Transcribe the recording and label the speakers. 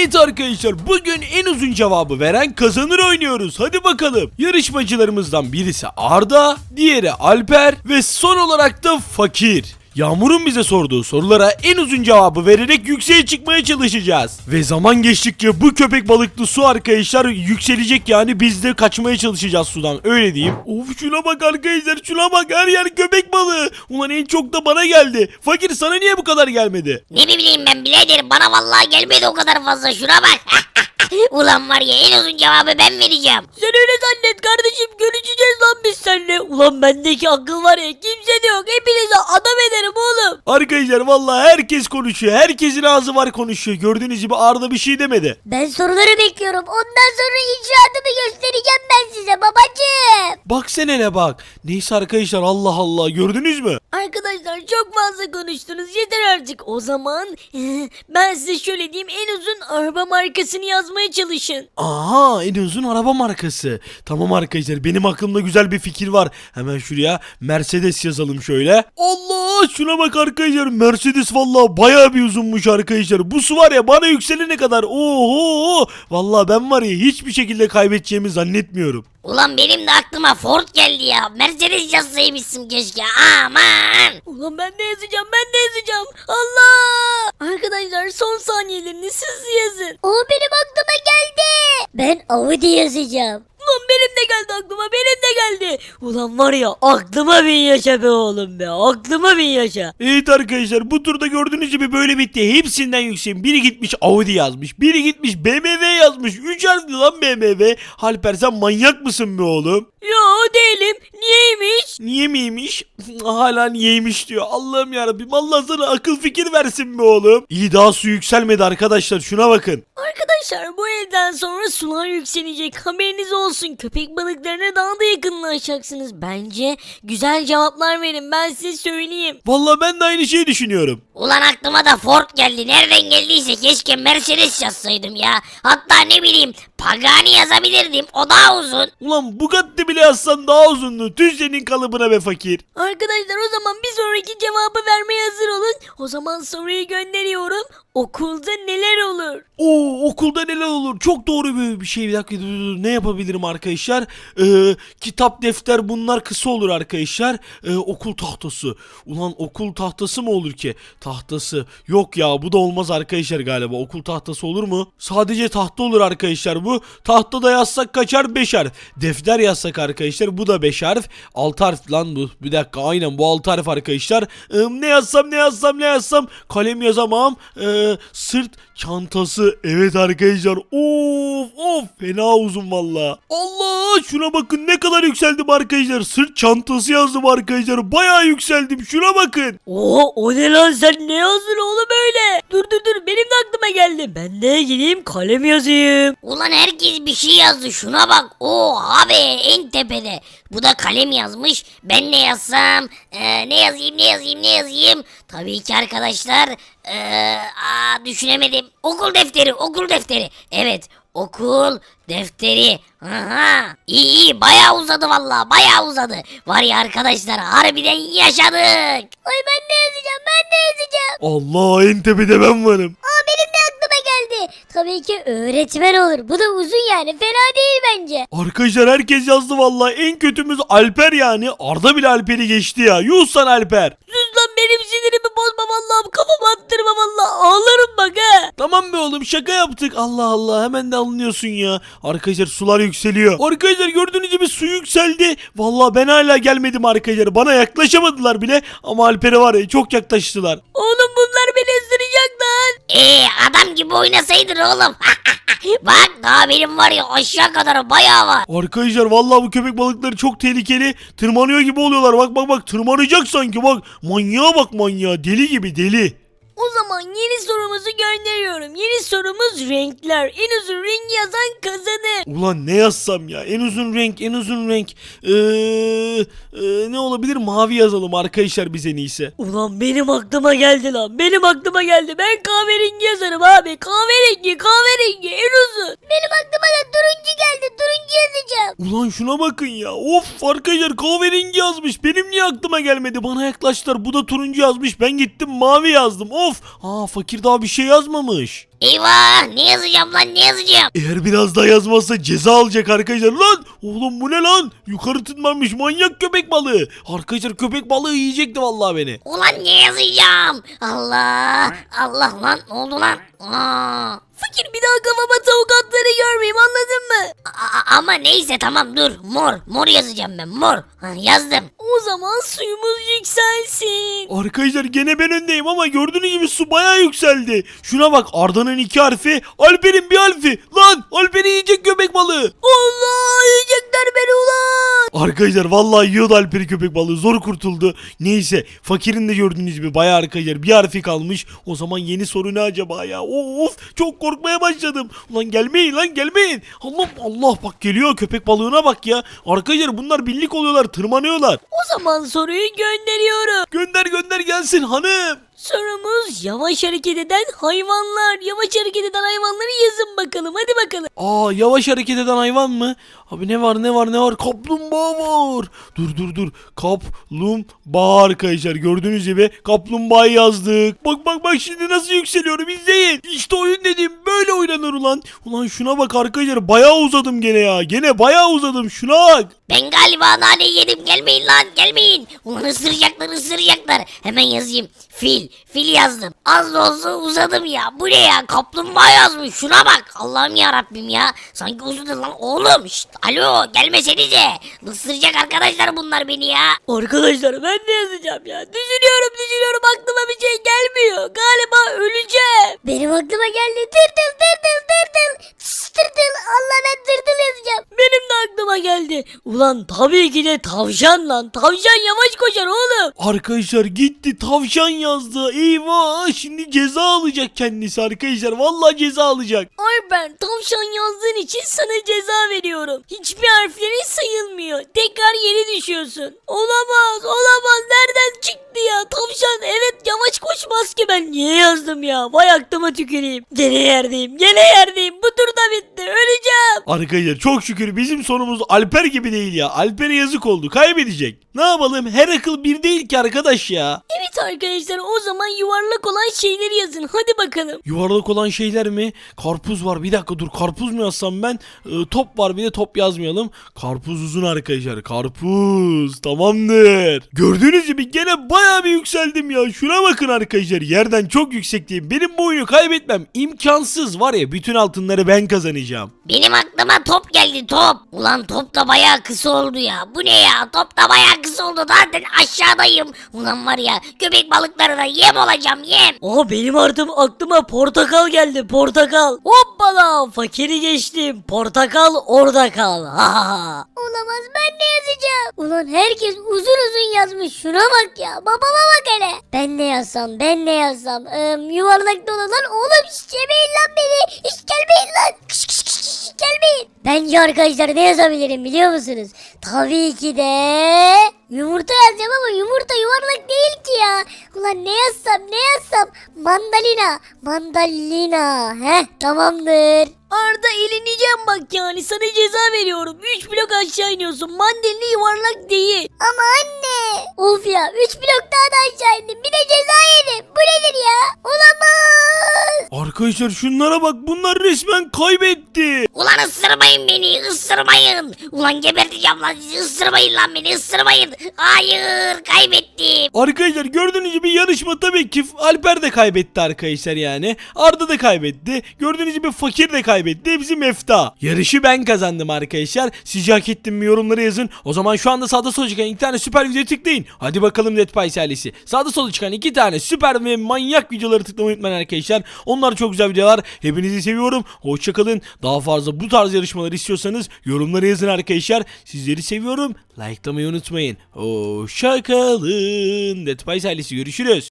Speaker 1: Evet arkadaşlar, bugün en uzun cevabı veren kazanır oynuyoruz. Hadi bakalım. Yarışmacılarımızdan birisi Arda, diğeri Alper ve son olarak da Fakir. Yağmur'un bize sorduğu sorulara en uzun cevabı vererek yükseğe çıkmaya çalışacağız. Ve zaman geçtikçe bu köpek balıklı su arkadaşlar yükselecek, yani biz de kaçmaya çalışacağız sudan, öyle diyeyim. Of, şuna bak arkadaşlar, şuna bak, her yer köpek balığı. Ulan en çok da bana geldi. Fakir, sana niye bu kadar gelmedi?
Speaker 2: Ne bileyim ben birader, bana vallahi gelmedi o kadar fazla, şuna bak. Ulan var ya, en uzun cevabı ben vereceğim.
Speaker 3: Sen öyle zannet kardeşim, görüşeceğiz lan biz seninle. Ulan bendeki akıl var ya, kimse de yok, hepinize adam ederim oğlum.
Speaker 1: Arkadaşlar vallahi herkes konuşuyor. Herkesin ağzı var, konuşuyor. Gördüğünüz gibi Arda bir şey demedi.
Speaker 2: Ben soruları bekliyorum, ondan sonra icraatımı göstereceğim ben size babacığım.
Speaker 1: Bak sen hele bak. Neyse arkadaşlar, Allah Allah, gördünüz mü?
Speaker 3: Arkadaşlar çok fazla konuştunuz, yeter artık. O zaman ben size şöyle diyeyim, en uzun araba markasını yazmaya çalışın.
Speaker 1: Aha, en uzun araba markası. Tamam arkadaşlar, benim aklımda güzel bir fikir var. Hemen şuraya Mercedes yazalım şöyle. Allah, şuna bak arkadaşlar, Mercedes vallahi bayağı bir uzunmuş arkadaşlar. Bu su var ya, bana yükselene kadar. Oho, vallahi ben var ya, hiçbir şekilde kaybedeceğimi zannetmiyorum.
Speaker 2: Ulan benim de aklıma Ford geldi ya. Mercedes yazsaymışsın keşke, aman.
Speaker 3: Ulan ben de yazacağım, ben de yazacağım. Allah! Arkadaşlar son saniyelerini siz yazın.
Speaker 2: O benim aklıma geldi. Ben Audi yazacağım.
Speaker 3: Ulan benim de geldi aklıma, benim de geldi. Ulan var ya, aklıma bin yaşa be oğlum be, aklıma bin yaşa.
Speaker 1: Evet arkadaşlar, bu turda gördüğünüz gibi böyle bitti. Hepsinden yükseğim. Biri gitmiş Audi yazmış. Biri gitmiş BMW yazmış. 3 harfli lan BMW. Alper, sen manyak mısın be oğlum?
Speaker 3: Yo değilim. Niyeymiş?
Speaker 1: Niye miymiş? Hala niyeymiş diyor. Allah'ım yarabbim, Allah sana akıl fikir versin be oğlum. İyi, daha su yükselmedi arkadaşlar, şuna bakın.
Speaker 3: Arkadaşlar bu evden sonra sular yükselecek, haberiniz olsun. Köpek balıklarına daha da yakınlaşacaksınız. Bence güzel cevaplar verin, ben size söyleyeyim.
Speaker 1: Vallahi ben de aynı şeyi düşünüyorum.
Speaker 2: Ulan aklıma da Ford geldi. Nereden geldiyse keşke Mercedes yazsaydım ya. Hatta ne bileyim, Pagani yazabilirdim. O daha uzun.
Speaker 1: Ulan Bugatti bile yazsan daha uzundu. Tüh senin kalıbına be fakir.
Speaker 3: Arkadaşlar o zaman bir sonraki cevabı vermeye hazır olun. O zaman soruyu gönderiyorum. Okulda neler olur?
Speaker 1: Oo, okulda neler olur? Çok doğru bir şey. Bir dakika, dur. Ne yapabilirim arkadaşlar? Kitap, defter, bunlar kısa olur arkadaşlar. Okul tahtası. Ulan okul tahtası mı olur ki? Tahtası. Yok ya, bu da olmaz arkadaşlar galiba. Okul tahtası olur mu? Sadece tahta olur arkadaşlar bu. Tahtada yazsak kaçar? 5 harf. Defter yazsak arkadaşlar, bu da 5 harf. 6 harf lan bu. Bir dakika, aynen bu 6 harf arkadaşlar. Ne yazsam? Kalem yazamam. Sırt çantası. Evet arkadaşlar. Of fena uzun valla. Allah, şuna bakın ne kadar yükseldim arkadaşlar. Sırt çantası yazdım arkadaşlar. Bayağı yükseldim. Şuna bakın.
Speaker 3: Oo, o ne lan, sen ne yazdın oğlum öyle? Dur benim de aklıma geldi. Ben de gideyim kalem yazayım.
Speaker 2: Ulan herkes bir şey yazdı, şuna bak. Oha be, en tepede. Bu da kalem yazmış. Ben ne yazsam? Ne yazayım? Tabii ki arkadaşlar. Düşünemedim. Okul defteri. Evet, okul defteri. Aha. İyi, bayağı uzadı vallahi, bayağı uzadı. Var ya arkadaşlar, harbiden yaşadık. Ay ben de yazacağım.
Speaker 1: Allah, en tepede ben varım.
Speaker 2: Benim de aklıma geldi. Tabii ki öğretmen olur. Bu da uzun yani, fena değil bence.
Speaker 1: Arkadaşlar herkes yazdı vallahi. En kötümüz Alper yani. Arda bile Alper'i geçti ya. Yuh sana Alper.
Speaker 3: Sus lan, benim sinirimi bozma vallahi, kafamı attırma vallahi, ağlarım bak he.
Speaker 1: Tamam be oğlum, şaka yaptık. Allah Allah, hemen de alınıyorsun ya. Arkadaşlar sular yükseliyor. Arkadaşlar gördüğünüz gibi su yükseldi. Vallahi ben hala gelmedim arkadaşlar. Bana yaklaşamadılar bile. Ama Alper'e var ya, çok yaklaştılar.
Speaker 3: Oğlum bunlar beni ısıracak lan.
Speaker 2: Adam gibi oynasaydın oğlum. Bak daha benim var ya, aşağı kadar bayağı var.
Speaker 1: Arkadaşlar vallahi bu köpek balıkları çok tehlikeli. Tırmanıyor gibi oluyorlar. Bak tırmanacak sanki, bak. Manyağa bak, manyağa. Deli gibi, deli.
Speaker 3: O zaman yeni sorumuzu gönderiyorum. Yeni sorumuz renkler. En uzun rengi yazan kazanır.
Speaker 1: Ulan ne yazsam ya? En uzun renk. Ne olabilir? Mavi yazalım arkadaşlar biz en iyisi.
Speaker 3: Ulan benim aklıma geldi lan. Ben kahverengi yazarım abi. Kahverengi en uzun.
Speaker 2: Benim aklıma da turuncu geldi. Turuncu yazacağım.
Speaker 1: Ulan şuna bakın ya. Of arkadaşlar kahverengi yazmış. Benim niye aklıma gelmedi? Bana yaklaştılar. Bu da turuncu yazmış. Ben gittim mavi yazdım. Of. Fakir daha bir şey yazmamış.
Speaker 2: Eyvah, ne yazacağım lan, ne yazacağım?
Speaker 1: Eğer biraz daha yazmazsa ceza alacak arkadaşlar. Lan oğlum bu ne lan? Yukarı tırmanmış manyak köpek balığı. Arkadaşlar köpek balığı yiyecekti vallahi beni.
Speaker 2: Ulan ne yazacağım? Allah Allah lan, ne oldu lan?
Speaker 3: Fakir bir daha kafama tavuk atları görmeyeyim, anladın mı?
Speaker 2: Ama neyse tamam, dur, mor yazacağım ben, mor. Yazdım.
Speaker 3: O zaman suyumuz yükselsin.
Speaker 1: Arkadaşlar gene ben öndeyim ama gördüğünüz gibi su bayağı yükseldi. Şuna bak, Arda'nın 2 harfi, Alper'in 1 harfi. Lan Alper'i yiyecek köpek balığı.
Speaker 3: Allah, yiyecekler beni ulan.
Speaker 1: Arkadaşlar vallahi yiyordu Alper'i köpek balığı, zor kurtuldu. Neyse fakirin de gördüğünüz gibi bayağı arkadaşlar 1 harfi kalmış. O zaman yeni soru ne acaba ya? Of çok korkmaya başladım. Ulan gelmeyin lan, gelmeyin. Allah Allah, bak geliyor köpek balığına bak ya. Arkadaşlar bunlar birlik oluyorlar, tırmanıyorlar.
Speaker 3: O zaman soruyu gönderiyorum.
Speaker 1: Gönder gelsin hanım.
Speaker 3: Sorumuz yavaş hareket eden hayvanlar. Yavaş hareket eden hayvanları yazın bakalım. Hadi bakalım.
Speaker 1: Yavaş hareket eden hayvan mı? Abi ne var? Kaplumbağa var. Dur. Kaplumbağa arkadaşlar. Gördüğünüz gibi kaplumbağayı yazdık. Bak şimdi nasıl yükseliyorum, izleyin. İşte oyun dediğim böyle oynanır ulan. Ulan şuna bak arkadaşlar, bayağı uzadım gene ya. Gene bayağı uzadım, şuna bak.
Speaker 2: Ben galiba nane yedim, gelmeyin lan, gelmeyin. Ulan ısıracaklar. Hemen yazayım. Fil yazdım. Az da olsa uzadım ya. Bu ne ya? Kaplumbağa yazmış. Şuna bak. Allah'ım ya Rabbim ya. Sanki uzadı lan oğlum. Şşt, alo, gelmesenize. Isıracak arkadaşlar bunlar beni ya.
Speaker 3: Arkadaşlar ben ne yazacağım ya? Düşünüyorum. Aklıma bir şey gelmiyor. Galiba öleceğim.
Speaker 2: Benim aklıma geldi. Tırtıl. Tırtıl. Allah, ben tırtıl yazacağım.
Speaker 3: Benim de aklıma geldi. Ulan tabii ki de tavşan lan. Tavşan yavaş koşar oğlum.
Speaker 1: Arkadaşlar gitti tavşan yazdı. Eyvah, şimdi ceza alacak kendisi arkadaşlar. Vallahi ceza alacak.
Speaker 3: Ben tavşan yazdığın için sana ceza veriyorum. Hiçbir harflerin sayılmıyor. Tekrar yeni düşüyorsun. Olamaz. Nereden çıktı ya? Tavşan evet yavaş koşmaz ki, ben niye yazdım ya? Vay aklıma tüküreyim. Gene yerdeyim. Bu tur da bitti. Öleceğim.
Speaker 1: Arkadaşlar çok şükür bizim sonumuz Alper gibi değil ya. Alper'e yazık oldu, kaybedecek. Ne yapalım, her akıl bir değil ki arkadaş ya.
Speaker 3: Evet arkadaşlar, o zaman yuvarlak olan şeyleri yazın. Hadi bakalım.
Speaker 1: Yuvarlak olan şeyler mi? Karpuz var, bir dakika dur, karpuz mu yazsam ben? Top var, bir de top yazmayalım. Karpuz uzun arkadaşlar, karpuz tamamdır. Gördüğünüz gibi gene bayağı bir yükseldim ya. Şuna bakın arkadaşlar, yerden çok yüksekteyim. Benim bu oyunu kaybetmem imkansız, var ya, bütün altınları ben kazanacağım.
Speaker 2: Benim aklıma top geldi, top. Ulan top da bayağı kısa oldu ya. Bu ne ya? Top da bayağı kısa oldu. Zaten aşağıdayım. Ulan var ya, köpek balıklarına yem olacağım, yem.
Speaker 3: Benim artık aklıma portakal geldi, portakal. Hoppala, fakiri geçtim. Portakal orada kal.
Speaker 2: Olamaz, ben ne yazacağım? Ulan herkes uzun yazmış. Şuna bak ya. Babama bak hele. Ben ne yazsam? Yuvarlakta olan lan oğlum, hiç yemeyin lan beni. Hiç gelmeyin lan. Kış, gelmeyin. Bence arkadaşlar ne yazabilirim biliyor musunuz? Tabii ki de yumurta yazacağım ama yumurta yuvarlak değil ki ya. Ulan ne yazsam? Mandalina. Tamamdır.
Speaker 3: Arda eleneceğim bak, yani sana ceza veriyorum. 3 blok aşağı iniyorsun. Mandalina yuvarlak değil.
Speaker 2: Ama anne. Of ya, 3 blok daha da aşağı indim. Bir de ceza yedim. Bu nedir ya? Olamaz.
Speaker 1: Arkadaşlar şunlara bak, bunlar resmen kaybetti.
Speaker 2: Ulan ısırmayın beni, ısırmayın. Ulan geberteceğim lan sizi, ısırmayın lan beni, ısırmayın. Hayır, kaybettim.
Speaker 1: Arkadaşlar gördüğünüz gibi yarışma tabii ki Alper de kaybetti arkadaşlar yani. Arda da kaybetti. Gördüğünüz gibi fakir de kaybetti. Hepsi mefta. Yarışı ben kazandım arkadaşlar. Sizce hak ettim mi, yorumlara yazın. O zaman şu anda sağda sola çıkan 2 tane süper video tıklayın. Hadi bakalım Netpice ailesi. Sağda sola çıkan 2 tane süper ve manyak videoları tıklamayı unutmayın arkadaşlar. Onlar çok güzel videolar. Hepinizi seviyorum. Hoşçakalın. Daha fazla bu tarz yarışmalar istiyorsanız yorumlara yazın arkadaşlar. Sizleri seviyorum. Likelamayı unutmayın. Hoşçakalın. Netpice ailesi, görüşürüz.